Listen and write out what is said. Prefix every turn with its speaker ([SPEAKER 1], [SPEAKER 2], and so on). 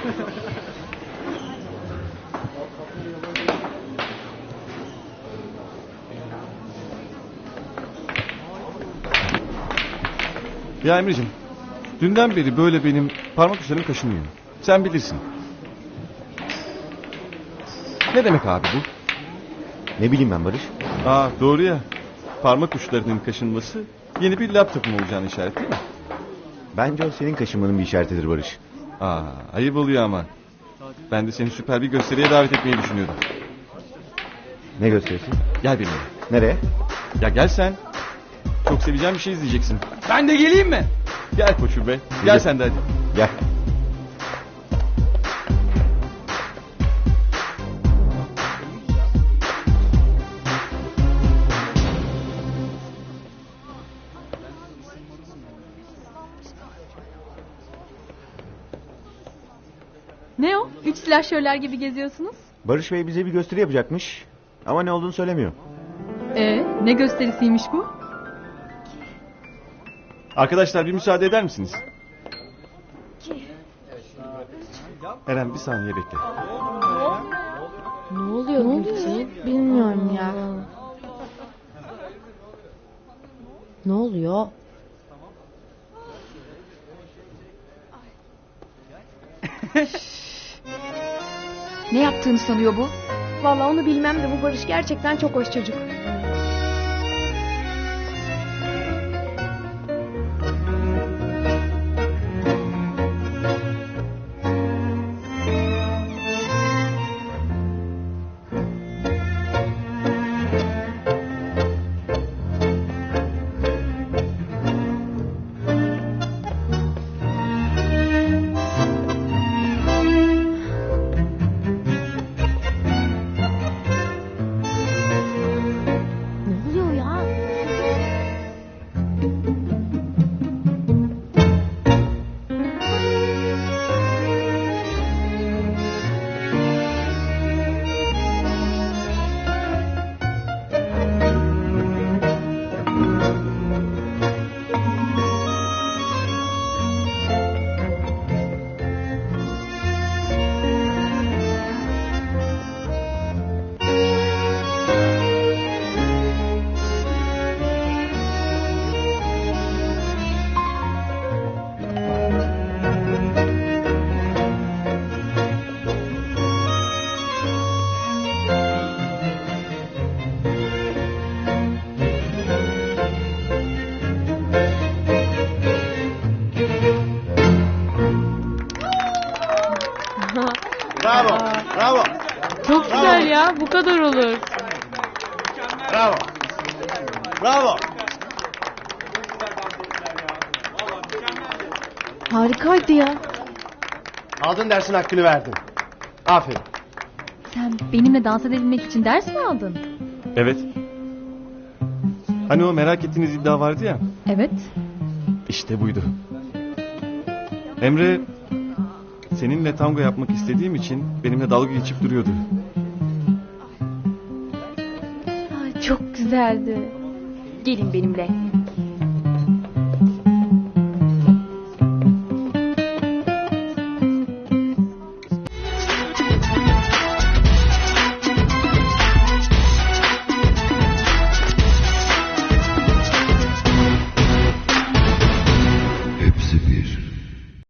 [SPEAKER 1] Ya Emre'cim, dünden beri böyle benim parmak uçlarım kaşınıyor. Sen bilirsin. Ne demek abi bu?
[SPEAKER 2] Ne bileyim ben Barış.
[SPEAKER 1] Aa doğru ya. Parmak uçlarının kaşınması yeni bir laptopum olacağını işaret değil mi?
[SPEAKER 2] Bence o senin kaşınmanın bir işaretidir Barış.
[SPEAKER 1] Aa ayıp oluyor ama. Ben de seni süper bir gösteriye davet etmeyi düşünüyordum.
[SPEAKER 2] Ne gösterisi?
[SPEAKER 1] Gel benimle.
[SPEAKER 2] Nereye?
[SPEAKER 1] Ya gel sen. Çok seveceğim bir şey izleyeceksin.
[SPEAKER 3] Ben de geleyim mi?
[SPEAKER 1] Gel koçum be. Gel sen de hadi.
[SPEAKER 2] Gel.
[SPEAKER 4] Ne o? 3 silahşörler gibi geziyorsunuz.
[SPEAKER 2] Barış Bey bize bir gösteri yapacakmış. Ama ne olduğunu söylemiyor.
[SPEAKER 4] Ne gösterisiymiş bu?
[SPEAKER 1] Arkadaşlar bir müsaade eder misiniz? Eren bir saniye bekle.
[SPEAKER 5] Ne oluyor Gülçin? Bilmiyorum ya. Ne oluyor?
[SPEAKER 4] Ne yaptığını sanıyor bu?
[SPEAKER 6] Vallahi onu bilmem de bu Barış gerçekten çok hoş çocuk.
[SPEAKER 5] Ne oluyor ya?
[SPEAKER 2] Bravo. Bravo.
[SPEAKER 5] Çok güzel ya. Bu kadar olur.
[SPEAKER 2] Bravo. Bravo.
[SPEAKER 5] Harikaydı ya.
[SPEAKER 2] Aldın dersin hakkını verdin. Aferin.
[SPEAKER 4] Sen benimle dans edebilmek için ders mi aldın?
[SPEAKER 1] Evet. Hani o merak ettiğiniz iddia vardı ya.
[SPEAKER 4] Evet.
[SPEAKER 1] İşte buydu. Emre seninle tango yapmak istediğim için benimle dalga geçip duruyordu.
[SPEAKER 4] Ay, çok güzeldi. Gelin benimle.
[SPEAKER 7] Hepsi bir.